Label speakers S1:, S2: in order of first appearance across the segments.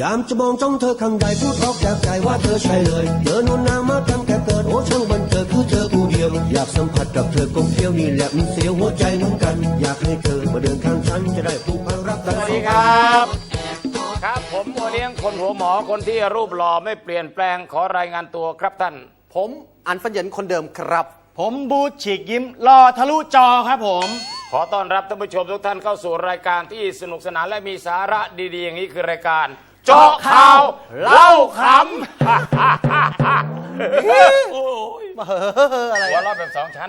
S1: ยามจะมองจ้องเธอข้างใดพูดออกจากใจว่าเธอใช่เลยเดินวนน้ำมาตั้งแต่เกิดโอ้ช่างบันเทิงคือเธอผู้เดียวอยากสัมผัสกับเธอกลมเกลียวนี่แหละมันเสียวหัวใจเหมือนกันอยากให้เธอมาเดินข้างฉันจะได้ผูกพันรักกัน
S2: สวัสดีครับครับผมโอเลี้ยงคนหัวหมอคนที่รูปหล่อไม่เปลี่ยนแปลงขอรายงานตัวครับท่าน
S3: ผมอันฟันเหยินคนเดิมครับ
S4: ผมบูฉีกยิ้มรอทะลุจอครับผม
S2: ขอต้อนรับท่านผู้ชมทุกท่านเข้าสู่รายการที่สนุกสนานและมีสาระดีๆอย่างนี้คือรายการเจาะข่าวเล่าขำโอ้ยอะไรหัวเราะแบบสองชั้น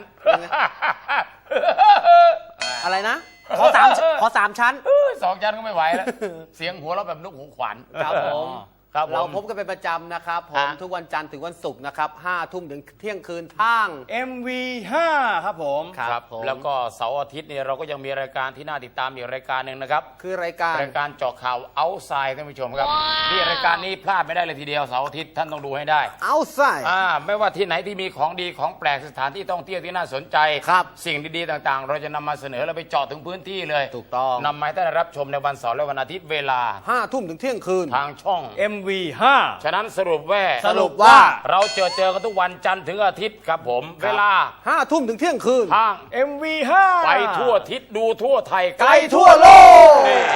S3: อะไรนะขอสามชั้น
S2: สองชั้นก็ไม่ไหวแล้วเสียงหัวเราะแบบนกหูขวัญ
S3: ครับผม
S2: เรา
S3: พบกันเป็นประจำนะครับผมทุกวันจันทร์ถึงวันศุกร์นะครับ5 ทุ่มถึงเที่ยงคืนทาง
S4: MV5 ครับผม
S2: ครับแล้วก็เสาร์อาทิตย์เนี่ยเราก็ยังมีรายการที่น่าติดตามอีกรายการหนึ่งนะครับ
S3: คือรายการ
S2: เจาะข่าวเอาท์ไซด์ท่านผู้ชมครับที่รายการนี้พลาดไม่ได้เลยทีเดียวเสาร์อาทิตย์ท่านต้องดูให้ได้
S3: เอาท์ไซด์
S2: ไม่ว่าที่ไหนที่มีของดีของแปลกสถานที่ท่องเที่ยวที่น่าสนใจ
S3: ครับ
S2: สิ่งดีๆต่างๆเราจะนำมาเสนอและไปเจาะถึงพื้นที่เลย
S3: ถูกต้อง
S2: นำมาให้ท่านรับชมในวันเสาร์และวันอาทิตย์เวลา
S3: 5 ทุ่มถึงเที่ยงคืน
S2: ทางช่อง
S4: MV5
S2: ฉะนั้นสรุป
S3: ว่า
S2: เราเจอกันทุกวันจันทร์ถึงอาทิตย์ครับผมเวลา
S3: 5 ทุ่มถึงเที่ยงคืน
S2: ทาง
S4: MV5
S2: ไปทั่วทิศดูทั่วไทย
S3: ไกลทั่วโลก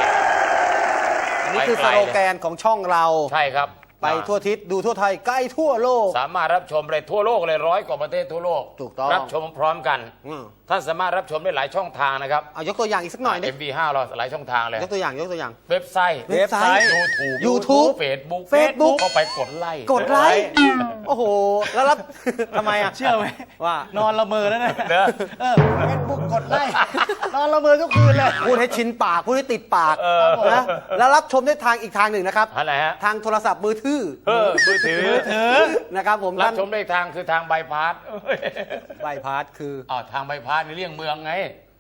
S3: นี่คือสโลแกนของช่องเรา
S2: ใช่ครับ
S3: ไปทั่วทิศดูทั่วไทยใกล้ทั่วโลก
S2: สามารถรับชมเลยทั่วโลกเลย100 กว่าประเทศทั่วโลก
S3: ถูกต้อง
S2: รับชมพร้อมกันท่านสามารถรับชมได้หลายช่องทางนะครับ
S3: เอายกตัวอย่างอีกสักหน่อย
S2: MV5 เราหลายช่องทางเลย
S3: ยกตัวอย่าง
S2: เว็บไซต์
S3: YouTube
S2: Facebook ก็ไปกดไลค์
S3: โอ้โหแล้วรับทำไมอ่ะ
S4: เชื่อไหม
S3: ว่าน
S4: อนละเมอแล้วนะเฟซบุ๊กกดไลค์นอนละเมอทุกคืนเลย
S3: พูดให้ชินปากพูดให้ติดปากนะแล้วรับชมได้ทางอีกทางหนึ่งนะครับ
S2: อะไรฮะ
S3: ทางโทรศัพท์มือถือนะครับผม
S2: รับชมได้ทางคือทางใบพัด
S3: ใบพัดคือ
S2: ทางใบพัดในเลี่ยงเมืองไง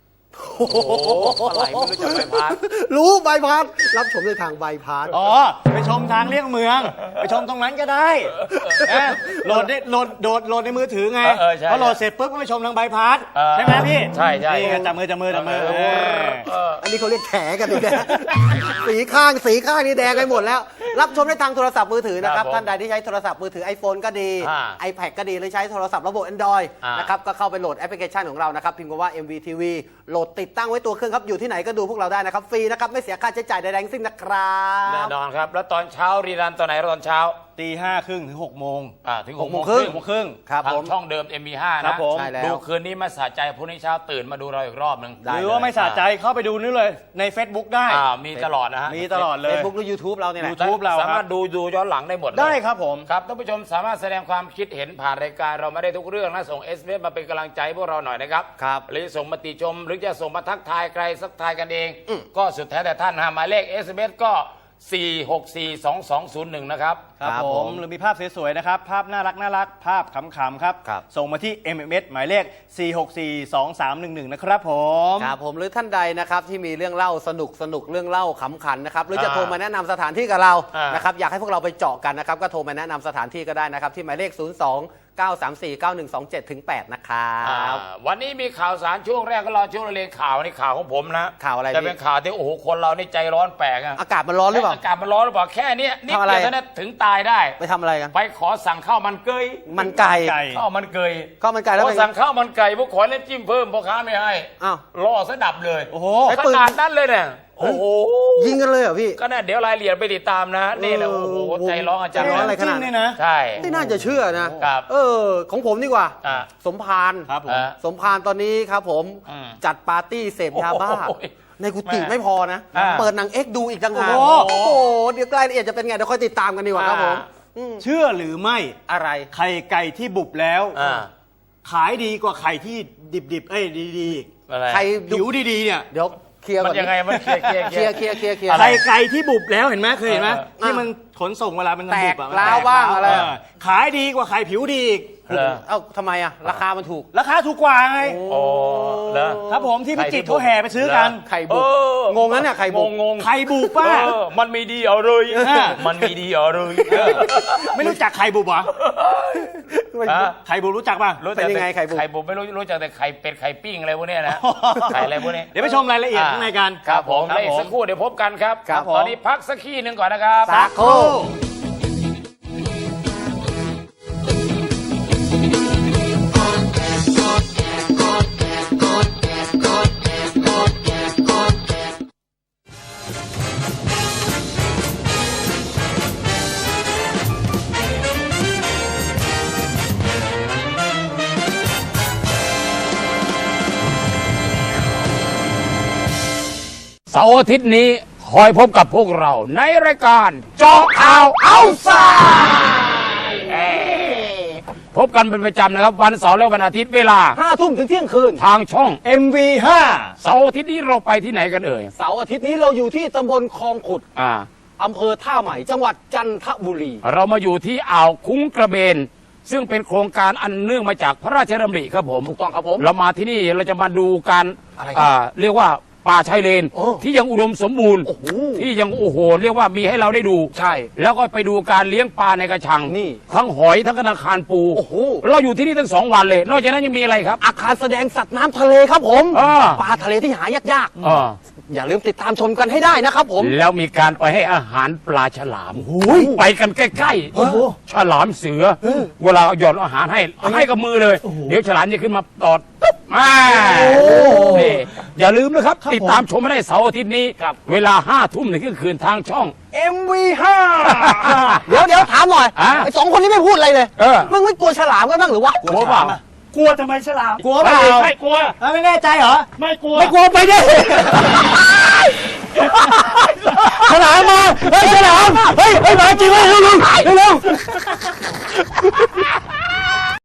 S2: อะไรไม่รู้จักใบพัด
S3: รู้ใบพัดรับชมได้ทางใบพัด
S4: ไปชมทางเลี่ยงเมืองไปชมตรงนั้นก็ได้โหลดในมือถือไงพอโหลดเสร็จปุ๊บก็ไปชมทางใบพัดใช่ไหมพี่
S2: ใช่
S4: จับมือ
S3: อันนี้เขาเรียกแฉกันเลยสีข้างนี่แดงไปหมดแล้วรับชมได้ทางโทรศัพท์มือถือนะครับท่านใดที่ใช้โทรศัพท์มือถือ iPhone ก็ดี iPad ก็ดีหรือใช้โทรศัพท์ระบบ Android นะครับก็เข้าไปโหลดแอปพลิเคชันของเรานะครับพิมพ์คำว่า MVTV โหลดติดตั้งไว้ตัวเครื่องครับอยู่ที่ไหนก็ดูพวกเราได้นะครับฟรีนะครับไม่เสียค่าใช้จ่ายใดๆทั้งสิ้นนะครับ
S2: แน่นอนครับแล้วตอนเช้ารีรันตอนไหนตอนเช้า
S4: 5:30 ถึง 6 โมง
S2: ถึง 6 โมงครึ่ง
S3: ครับ
S2: ทางช่องเดิม MV5 นะดูคืนนี้มาสะใจพรุ่งนี้เช้าตื่นมาดูเราอีกรอบนึง
S4: หรือว่าไม่สะใจเข้าไปดูนี่เลยใน Facebook ได้
S2: มีตลอดนะฮะ
S4: มีตลอดเลย
S3: Facebook หรือ YouTube เราเนี่ย
S4: YouTube เรา
S2: สามารถดูย้อนหลังได้หมด
S4: ได้ครับผม
S2: ครับท่านผู้ชมสามารถแสดงความคิดเห็นผ่านรายการเราไม่ได้ทุกเรื่องนะส่ง SMS มาเป็นกำลังใจพวกเราหน่อยนะครับหรือส่งมาติชมหรือจะส่งมาทักทายใครสักทายกันเองก็สุดแท้แต่ท่านหมายเลข SMS ก็4642201นะครับ
S4: ครับผมหรือมีภาพสวยๆนะครับภาพน่ารักภาพขำๆครับส่งมาที่ MMS หมายเลข4642311นะครับผม
S3: ครับผมหรือท่านใดนะครับที่มีเรื่องเล่าสนุกเรื่องเล่าขำขันนะครับหรือจะโทรมาแนะนำสถานที่กับเรานะครับอยากให้พวกเราไปเจาะกันนะครับก็โทรมาแนะนำสถานที่ก็ได้นะครับที่หมายเลข02-934-9127-8นะครับ
S2: วันนี้มีข่าวสารช่วงแรกก็รอช่วงเรียนข่าวนี่ข่าวของผมนะ
S3: ข่าวอะไร
S2: จะเป็นข่าวที่โอ้โหคนเรานี่ใจร้อนแปลก
S3: อากาศมันร้อนหรือเปล่า
S2: อากาศมันร้อนหรือเปล่าแค่นี้นิดเดียวเท่านั้นถึงตายได้
S3: ไปทำอะไรกัน
S2: ไปขอสั่งข้าวมันไก่ข้าวมันไก่
S3: แล้ว
S2: พอสั่งข้าวมันไก่พวกขอเล่นจิ้มเพิ่มพ่อค้าไม่ให้ล่อซะดับเลย
S3: โอ้โห
S2: ขนาดนั้นเลยเนี่ยโอ้โห
S3: ยิงกันเลยเหรอพี่
S2: ก็เนี่ยเดี๋ยวรายละเอียดไปติดตามนะนี่แหละโอ้โหใจร้อนอาจารย์
S3: ร้อนอะไรขนาด
S4: นี้นะ
S2: ใช่
S3: ไม่น่าจะเชื่อนะครับของผมดีกว่าสมพาน
S4: ครับผม
S3: สมพานตอนนี้ครับผมจัดปาร์ตี้เสพยาบ้าในกุฏิไม่พอนะเปิดหนังเอ็กดูอีกต่างหากโอ้โหเดี๋ยวรายละเอียดจะเป็นไงเดี๋ยวค่อยติดตามกันดีกว่าครับผม
S4: เชื่อหรือไม่
S3: อะไร
S4: ไข่ไก่ที่บุบแล้วขายดีกว่าไข่ที่ดิบดี
S3: ไข่
S4: ผิวดีๆเนี่ย
S3: เดี๋ยวเคลียร์ก่อน
S2: ยังไงมันเคลียร์
S4: ไข่ไก่ที่บุบแล้วเห็นไหมเคยเห็นไหมที่มันขนส่งเวลามัน
S3: แต
S4: บุ
S3: กล้าวบ้างอะไร
S4: ขายดีกว่าไข่ผิวดีอีก
S3: ทำไมราคามันถูก
S4: ราคาถูกกว่าไงครับผมที่พิจิตรเขาแห่ไปซื้อกัน
S3: ไข่บุกงงนั้นเนี่ยไข่บุก
S4: ไข่บุกป้า
S2: มันมีดีเอาเลยมันมีดีเอาเลย
S4: ไม่รู้จักไข่บุกเหรอไข่บุรู้จักป่ะ
S2: รู้
S3: เป็นยังไงไข่บุ
S2: ไข่บุไม่รู้จักแต่ไข่เป็ดไข่ปิ้งอะไรพวกเนี้ยนะไข่อะไรพวกนี้
S4: เดี๋ยวไปชมรายละเอียดข้างในกัน
S2: ครับผมและอีกสักครู่เดี๋ยวพบกันครับ
S3: ครับผม
S2: ตอนนี้พักสักขี้หนึ่งก่อนนะครับ
S3: สักครู่
S2: เสาร์อาทิตย์นี้คอยพบกับพวกเราในรายการเจาะข่าวเอาซายพบกันเป็นประจำนะครับวันเสาร์และวันอาทิตย์เวลา
S3: 5 ทุ่มถึงเที่ยงคืน
S2: ทางช่อง
S4: MV5
S2: เสาร์อาทิตย์นี้เราไปที่ไหนกันเอ่ย
S3: เสาร์อาทิตย์นี้เราอยู่ที่ตำบลคลองขุด อำเภอท่าใหม่ จังหวัดจันทบุรี
S2: เรามาอยู่ที่อ่าวคุ้งกระเบน ซึ่งเป็นโครงการอันเนื่องมาจากพระราชดำริครับผม
S3: ถูกต้องครับผม
S2: เรามาที่นี่เราจะมาดูการ
S3: อะไรครับ
S2: เรียกว่าป่าชายเลน
S3: โอ้
S2: ที่ยังอุดมสมบูรณ์
S3: โอ้โห
S2: ที่ยังโอ้โหเรียกว่ามีให้เราได้ดู
S3: ใช่
S2: แล้วก็ไปดูการเลี้ยงปลาในกระชัง
S3: นี่
S2: ทั้งหอยทั้งกระคันปู
S3: โอ้โห
S2: เราอยู่ที่นี่ตั้ง2 วันเลย นอกจากนั้นยังมีอะไรครับ
S3: อาคารแสดงสัตว์น้ำทะเลครับผม ปลาทะเลที่หายาก
S2: อ่า
S3: ๆ อย่าลืมติดตามชมกันให้ได้นะครับผม
S2: แล้วมีการไปให้อาหารปลาฉลามไปกันใกล้
S3: โอ้โห
S2: ๆฉลามเสือ เวลาหย่อนอาหารให้กับมือเลย เดี๋ยวฉลามจะขึ้นมาตอดตุ๊บมานี่อย่าลืมนะครับ ติดตามชมให้ได้เสาร์อาทิตย์นี้ เวลา5 ทุ่มถึงเที่ยงคืนทางช่อง
S3: MV5 เดี๋ยวถามหน่อย
S2: อ่ะ
S3: ไอ้2 คนนี้ไม่พูดอะไรเลย มึงไม่กลัวฉลามกันบ้างหรือวะ
S2: กลัวเปล่า
S4: กลัวทำไมฉลาม
S3: กลัวเปล่า
S2: ไม่กลัว
S4: ไม่แน่ใจเหรอ
S2: ไม่กลัว
S3: ไม่กลัวไปดิฉลามมา เฮ้ยฉลาม เฮ้ยมาจริงเลยเร็ว